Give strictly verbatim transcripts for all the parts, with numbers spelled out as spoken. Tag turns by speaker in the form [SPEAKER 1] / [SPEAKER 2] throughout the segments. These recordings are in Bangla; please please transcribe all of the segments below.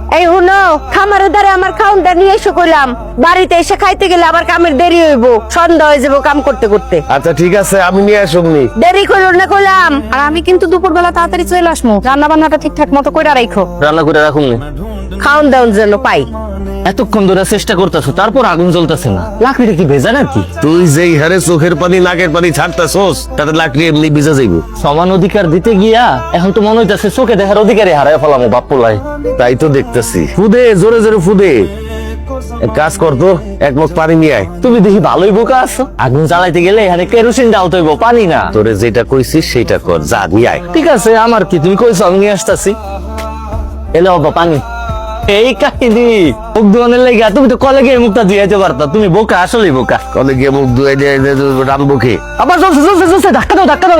[SPEAKER 1] এই হুনো, খামারের দ্বারা আমার খাউনটা নিয়ে এসে কইলাম, বাড়িতে এসে খাইতে গেলে আবার কামের দেরি হইব, সন্ধ্যা হয়ে যাবো কাম করতে করতে।
[SPEAKER 2] আচ্ছা ঠিক আছে, আমি নিয়ে আসুমনি।
[SPEAKER 1] দেরি করো না কইলাম।
[SPEAKER 3] আর আমি কিন্তু দুপুরবেলা তাড়াতাড়ি চলে আসবো, রান্না বান্নাটা ঠিকঠাক মতো কইরা রাখো।
[SPEAKER 4] রান্না করে রাখুন।
[SPEAKER 1] খাউন দাউন যেন পাই।
[SPEAKER 4] এতক্ষণ ধরে চেষ্টা করতেছো, তারপর আগুন জ্বলতেছে না। লাকড়িটা কি ভেজা নাকি?
[SPEAKER 2] তুই যেই হারে চোখের পানি নাকের পানি ছাড়তাছস, তাতে লাকড়ি এমনি ভিজা যাইব।
[SPEAKER 4] সমান অধিকার দিতে গিয়া এখন তো মনে হইতাছে চোখে দেখার অধিকারই হারায় ফেলামো বাপ পোলায়।
[SPEAKER 2] তাই তো দেখতেছি। ফুদে, জোরে জোরে ফুদে। এক কাজ কর তো, এক মগ পানি নিয়ে আয়।
[SPEAKER 4] তুমি দেখি ভালোই বোকা আছো, আগুন জ্বালাইতে গেলে এখানে কেরোসিন ঢালতে হইব, পানি না।
[SPEAKER 2] তোরে যেটা কইছিস সেটা কর, যা নিয়ে আয়।
[SPEAKER 4] ঠিক আছে, আমার কি, তুমি কইছো আমি নিয়ে আসতেছি। এলে বাবা পানি। এই কাহিনী মুখ ধোয়ানোর লেগে তুমি তো কলে গিয়ে মুখটা ধুয়াইতে পারতা। তুমি বোকা, আসলেই বোকা।
[SPEAKER 2] কলে গিয়ে মুখ ধুয়ে দিয়ে রানবো খে।
[SPEAKER 4] আবার চলছে চলছে চলছে, ধাক্কা দাও ধাক্কা দাও।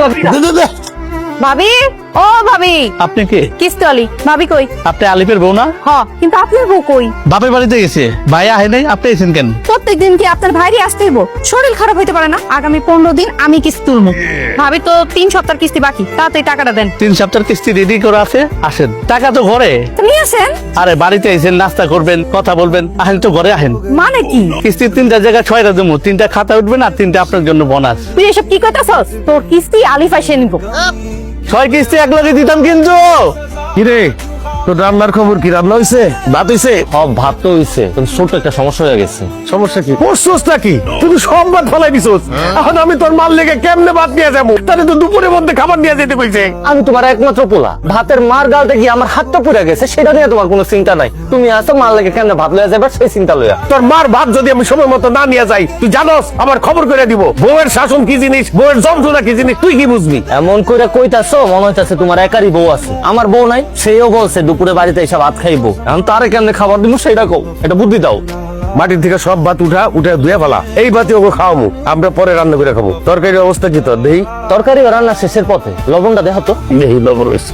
[SPEAKER 3] ভাবি, ও ভাবি।
[SPEAKER 5] আপনি কে?
[SPEAKER 3] কিস্তি আলি। ভাবি কই?
[SPEAKER 5] আপনি আলিফের বউ না?
[SPEAKER 3] হ, কিন্তু আপনার বউ কই?
[SPEAKER 5] বাপের বাড়িতে গেছে। ভাই আহে নাই, আপনি এসেছেন কেন?
[SPEAKER 3] প্রত্যেকদিন কি আপনার ভাইরই আসতে হইব? শরীর খারাপ হইতে পারে না? আগামী পনেরো দিন আমি কিস্তি তুলবো। ভাবি তো তিন সপ্তাহ কিস্তি বাকি, তাড়াতাড়ি টাকাটা দেন।
[SPEAKER 5] তিন সপ্তাহ কিস্তি রেডি করে আছে, আসেন। টাকা তো ঘরে।
[SPEAKER 3] তো নিয়ে আসেন।
[SPEAKER 5] আরে বাড়িতে এসেছেন, নাস্তা করবেন, কথা বলবেন, আহেন তো ঘরে আহেন।
[SPEAKER 3] মানে কি?
[SPEAKER 5] কিস্তির তিনটা জায়গায় ছয়টা জমু, তিনটা খাতা উঠবেন আর তিনটা আপনার জন্য বোনাস।
[SPEAKER 3] তুই এসব কি কইতাছস? তোর কিস্তি আলিফ এসে নিব।
[SPEAKER 5] ছয় কিস্তি এক লগে দিতাম কিন্তু।
[SPEAKER 2] কিরে, তোর রান্নার খবর কি? রান্না হইছে? ভাত হইছে?
[SPEAKER 4] সব ভাত তো হইছে, কিন্তু ছোট একটা সমস্যা হয়ে গেছে।
[SPEAKER 2] সমস্যা কি? করছস নাকি? তুই সব ভাত ফলাই দিছস। এখন আমি তোর মাল লেগে কেমনে ভাত নিয়ে যাবো? তাহলে তো দুপুরের মধ্যে খাবার নিয়ে যেতে কইছে।
[SPEAKER 4] আমি তোমার একমাত্র পোলা, ভাতের মার গালতে গিয়ে আমার হাতটা পুড়ে গেছে, সেটা নিয়ে তোমার কোনো চিন্তা নাই। তুমি আসো মাল লেগে কেন ভাত লইয়া যাবে সেই চিন্তা লইয়া।
[SPEAKER 2] তোর মার ভাত যদি আমি সময় মতো না নিয়ে যাই, তুই জানোস আমার খবর করে দিব। বউয়ের শাসন কি জিনিস, বউয়ের যন্ত্রণা কি জিনিস, তুই কি বুঝবি?
[SPEAKER 4] এমন কইরা কইতাছো মনে হইতাছে তোমার একারই বউ আছে। আমার বউ নাই, সেও বলছে দুপুরে বাড়িতে এসে ভাত খাইবো। এখন তারে কেমনে খাবার দিব সেটা কও, এটা বুদ্ধি দাও।
[SPEAKER 2] মাটির থেকে সব ভাত উঠা উঠে ধুয়ে ফেলা, এই ভাতে ওকে খাওয়ামু, আমরা পরে রান্না করে খাবো। তরকারির অবস্থা কি তোর? দেহি
[SPEAKER 4] তরকারি রান্না শেষের পথে, লবণটা দেখো তো।
[SPEAKER 2] দেহি লবণ রয়েছে।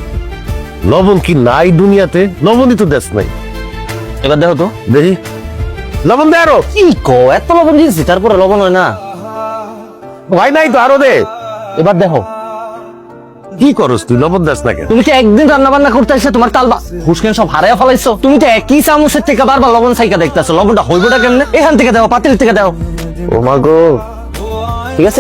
[SPEAKER 2] লবণ কি নাই দুনিয়াতে? লবণই তো দেশ নাই।
[SPEAKER 4] এবার দেখো তো।
[SPEAKER 2] দেহি লবণ দে আরো।
[SPEAKER 4] কি কো, এত লবণ দিয়েছি তারপরে লবণ হয় না?
[SPEAKER 2] ভাই নাই তো, আরো দে।
[SPEAKER 4] এবার দেখো।
[SPEAKER 2] কি করস তুই? লবণ দেশ না কেন?
[SPEAKER 4] তুমি কি একদিন রান্না বান্না করতে এসে তোমার তালবা হুসকেন সব হারাইয়া ফেলাইছো? তুমি তো একই চামচের থেকে বারবার লবণ সাইকা দেখতেছো, লবণটা হইবটা কেমনে? এখান থেকে দাও, পাতিল থেকে দাও।
[SPEAKER 2] ও মা গো,
[SPEAKER 4] ঠিক আছে?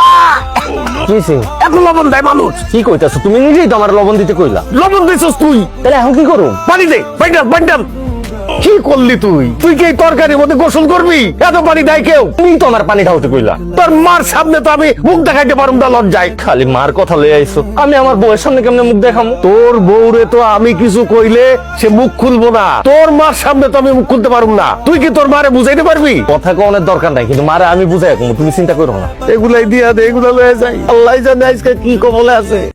[SPEAKER 4] কি হইছে?
[SPEAKER 2] এত লবণ দেয় মানুষ?
[SPEAKER 4] কি কইতাছো? তুমি নিজেই তো আমার লবণ দিতে কইলা।
[SPEAKER 2] লবণ দিছস তুই?
[SPEAKER 4] তাহলে এখন কি করুম?
[SPEAKER 2] পানি দে, বাইন্ডাল বাইন্ডাল। কি করলি তুই? তুই কি এই তরকারির মধ্যে গোসল করবি? এত পানি দেয় কেউ?
[SPEAKER 4] তুমি তো আমার পানি ঢালতে কইলা।
[SPEAKER 2] তোর মার সামনে তো আমি মুখ দেখাইতে পারুম না, লজ্জায়।
[SPEAKER 4] খালি মার কথা লয়ে আইছো, আমি আমার বউয়ের সামনে কেমনে মুখ দেখামু?
[SPEAKER 2] তোর বউরে তো আমি কিছু কইলে সে মুখ খুলবো না, তোর মার সামনে তো আমি মুখ খুলতে পারুম না। তুই কি তোর মারে বুঝাইতে পারবি?
[SPEAKER 4] কথা কোনের দরকার নাই, কিন্তু মারে আমি বুঝাই কমু, তুমি চিন্তা করো না।
[SPEAKER 2] এগুলাই দিয়া দে, এগুলা লয়ে যাই। আল্লাহ জানে আজকে কি কবলে আছে।